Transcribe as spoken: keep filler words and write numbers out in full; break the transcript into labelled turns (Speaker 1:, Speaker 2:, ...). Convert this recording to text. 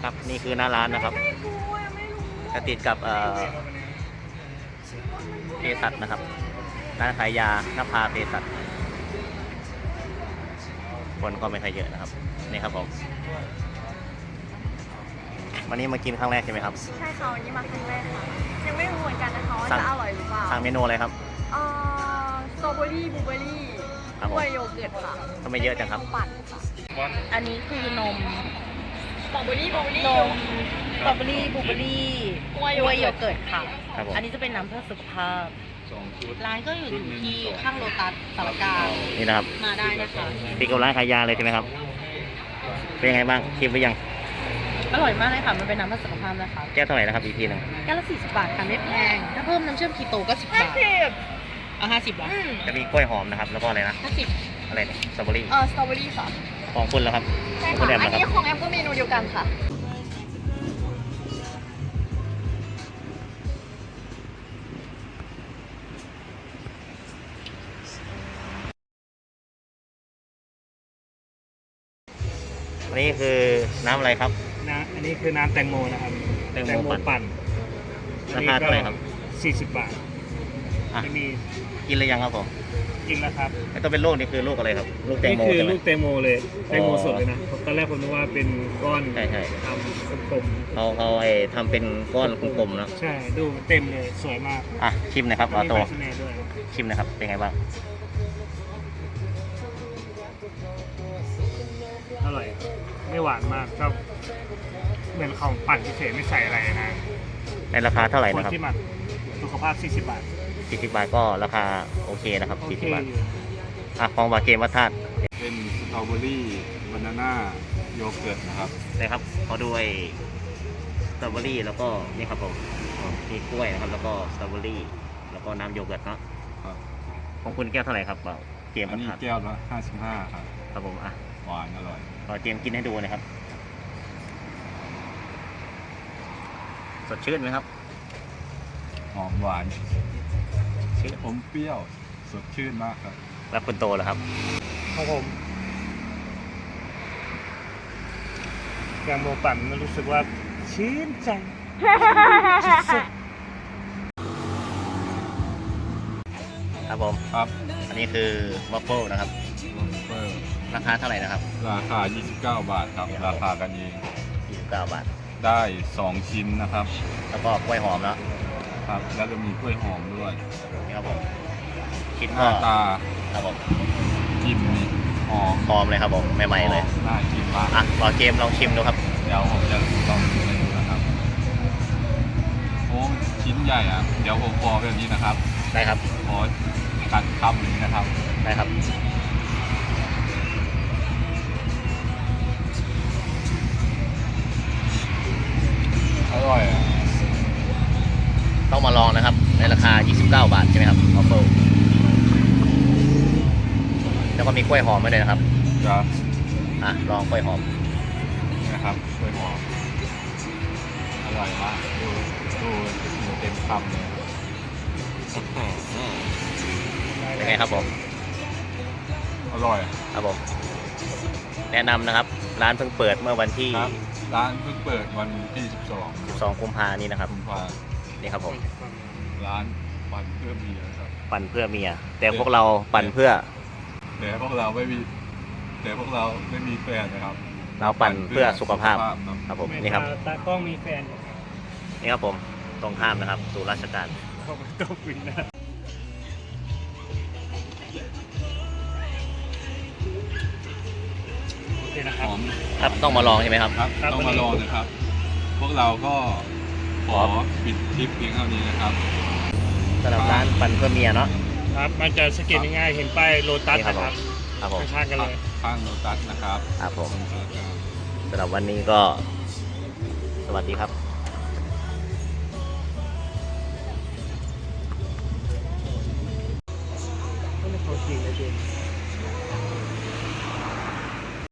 Speaker 1: ครับนี่คือหน้าร้านนะครับจะติดกับเอ่อเภสัชนะครับร้านขายยานภาเภสัชคนก็ไม่ค่อยเยอะนะครับนี่ครับผมวันนี้มากินครั้งแรกใช่ไหมครับ
Speaker 2: ใช่ค่ะวันนี้มาครั้งแรกค่ะยังไม่รู้เหมือนกันนะคะว่าจะอร่อยหรือเปล่า
Speaker 1: สั่งเมนูอะไรครับ
Speaker 2: เอ่อสตรอเบอรี่บลูเบอรี่กล้วยโยเกิร์ตค่ะ
Speaker 1: ทำไมเยอะจังครับ
Speaker 2: ปั่นค่ะ
Speaker 3: อันนี้คือนม
Speaker 2: สตรอเบอรี่บลูเบอรี่
Speaker 3: นมสตรอเบอรี่บลูเบอรี่กล้วยโยเกิร์ตค่ะอันนี้จะเป็นน้ำเพื่อสุขภาพร้านก็อยู่ที่ข้างโลตัสสารกลาง
Speaker 1: นี่นะครับ
Speaker 3: มาได้นะคะ
Speaker 1: ติดกับร้านขายยาเลยใช่ไหมครับเป็นยังไงบ้างชิมไปยัง
Speaker 3: อร่อยมากเลยค่ะมันเป็นน้ำเพื่อสุขภาพนะคะ
Speaker 1: แก้วเท่าไหร่นะครับอีกทีหนึ่ง
Speaker 3: แก้วละสี่สิบบาทค่ะไม่แพงถ้าเพิ่มน้ำเชื่อมคีโตก็สิบบาทอ่ะห้าสิบบาท
Speaker 1: จะมีกล้วยหอมนะครับแล้วก็อะไรนะ
Speaker 3: ห้าสิบ
Speaker 1: อะไรเนี่ยสตรอเบอรี่
Speaker 2: เออสตรอเบอรี่ค่ะ
Speaker 1: ของคุณแล้วครับ
Speaker 2: ใช่ค่ะอันนี้ของแอมก็เมนูเดียวกันค่ะ
Speaker 1: อันนี้คือน้ำอะไรครับ
Speaker 4: นะอันนี้คือน้ำแตงโมนะครับ
Speaker 1: แตงโมปั่นราคาเท่าไหร่ครับ
Speaker 4: สี่สิบบาท
Speaker 1: จะมีกินเลยยังครับผม
Speaker 4: กินแล้วครับ
Speaker 1: ไอ้ตัวเป็นลูกนี่คือลูกอะไรครับลูกแตงโม
Speaker 4: นี่คือลูกแตงโมเลยแตงโมสดเลยนะตอนแรกผมนึกว่าเป็นก้อน
Speaker 1: ใช่ใช่
Speaker 4: ทำกลม
Speaker 1: ๆเขาเขาไอ้ทำเป็นก้อนกลมๆนะ
Speaker 4: ใช่ดูเต็มเลยสวยมาก
Speaker 1: อ่ะชิมหน่อยครับออโต้
Speaker 4: ด้วย
Speaker 1: ชิมหน่อยครับเป็นไงบ้าง
Speaker 4: อร่อยไม่หวานมากก็เหมือนของปั่นเฉยๆไม่ใส่อะไรนะ
Speaker 1: ในราคาเท่าไหร่นะครับ
Speaker 4: ที่หมักสุขภาพสี่สิบบาท
Speaker 1: สี่สิบบาทก็ราคาโอเคนะครับสี่สิบบาทอ่ะของบาเกมวัฒน์
Speaker 5: เป็นสตรอเบอรี่บานาน่าโยเกิร์ตนะครับ
Speaker 1: นะครับขอด้วยสตรอเบอรี่แล้วก็นี่ครับผมมีกล้วยนะครับแล้วก็สตรอเบอรี่แล้วก็น้ำโยเกิร์ตเนาะของคุณแก้วเท่าไหร่ครับเกมวัฒน์
Speaker 5: อันนี้แก้วละห้าสิบห้าครับ
Speaker 1: ครับผมอ่ะ
Speaker 5: หวานอร่อย
Speaker 1: ขอเจมกินให้ดูนะครับสดชื่นไหมครับ
Speaker 5: หอมหวาน
Speaker 1: ชื่น
Speaker 5: ผมเปรี้ยวสดชื่นมากครับ
Speaker 1: แล้วคุณโตเหรอครับ
Speaker 4: ของผมแกงโมปั่นมันรู้สึกว่าชื่นใจ
Speaker 1: ครับผม
Speaker 5: ครับ
Speaker 1: อันนี้คือวัฟเฟิลนะครับราคาเท่าไหร่นะครับ
Speaker 5: ราคายี่สิบเก้าบาทครับราคากันเอง
Speaker 1: ยี่สิบเก้าบาท
Speaker 5: ได้สองชิ้นนะครับ
Speaker 1: แล้วก็กล้วยหอมแล้ว
Speaker 5: ครับแล้วจะมีกล้วยหอมด้วย
Speaker 1: นี่ครับผมคิด
Speaker 5: หน้าตา
Speaker 1: ครับผม
Speaker 5: จิ้มนี่หอม
Speaker 1: หอมเลยครับผมใหม่ๆเลย
Speaker 5: น่ากินมาก
Speaker 1: อ่ะรอเกมลองชิมดูครับ
Speaker 5: เดี๋ยวผมจะลองชิมดูนะครับโอ้ชิ้นใหญ่อ่ะเดี๋ยวผมพอแบบนี้นะครับ
Speaker 1: ได้ครับ
Speaker 5: ขอกัดคำนี้นะครับ
Speaker 1: ได้ครับ
Speaker 5: อร่อย
Speaker 1: ต้องมาลองนะครับในราคายี่สิบเก้าบาทใช่ไหมครับออฟเฟิลแล้วก็มีกล้วยหอมมาด้วยนะครับ
Speaker 5: ครับ
Speaker 1: อ่ะลองกล้วยหอม
Speaker 5: นะครับกล้วยหอมอร่อยมากดูดูดูเต็มคำเลย
Speaker 1: เป็นไงครับผม
Speaker 5: อร่อย
Speaker 1: ครับผมแนะนำนะครับร้านเพิ่งเปิดเมื่อวันที่
Speaker 5: ร้านเพิ่งเปิดวันที่สิบสอง
Speaker 1: สิบสองกุมภานี้นะครับ
Speaker 5: กุมภา
Speaker 1: นี่ครับผม
Speaker 5: ร้านปั่นเพื่อเมียครับ
Speaker 1: ปั่นเพื่อเมียแต่พวกเราปั่นเพื่อ
Speaker 5: แต่พวกเราไม่มีแต่พวกเราไม่มีแฟนนะครับ
Speaker 1: เราปั่นเพื่อสุขภาพครับผมนี่ครับ
Speaker 4: ตากล้องมีแฟน
Speaker 1: นี่ครับผมตรงข้ามนะครับสู่ราชการ
Speaker 4: ต้องฟินนะโอเคนะครับ
Speaker 1: ครับต้องมาลองใช่ไหมครับ
Speaker 5: ครับต้องมาลองนะครับพวกเราก็ขอปิดคลิปเพียงเท่านี้นะครับ
Speaker 1: สำหรับร้านปั่นเพื่อเมียเนาะ
Speaker 4: ครับมันจะสเก็ตง่ายๆเห็นป้ายโลตัสนะครับ
Speaker 1: ครับผม
Speaker 4: ข้างกันเลย
Speaker 5: ข้างโลตัสนะครับ
Speaker 1: ครับผมสำหรับวันนี้ก็สวัสดีครับ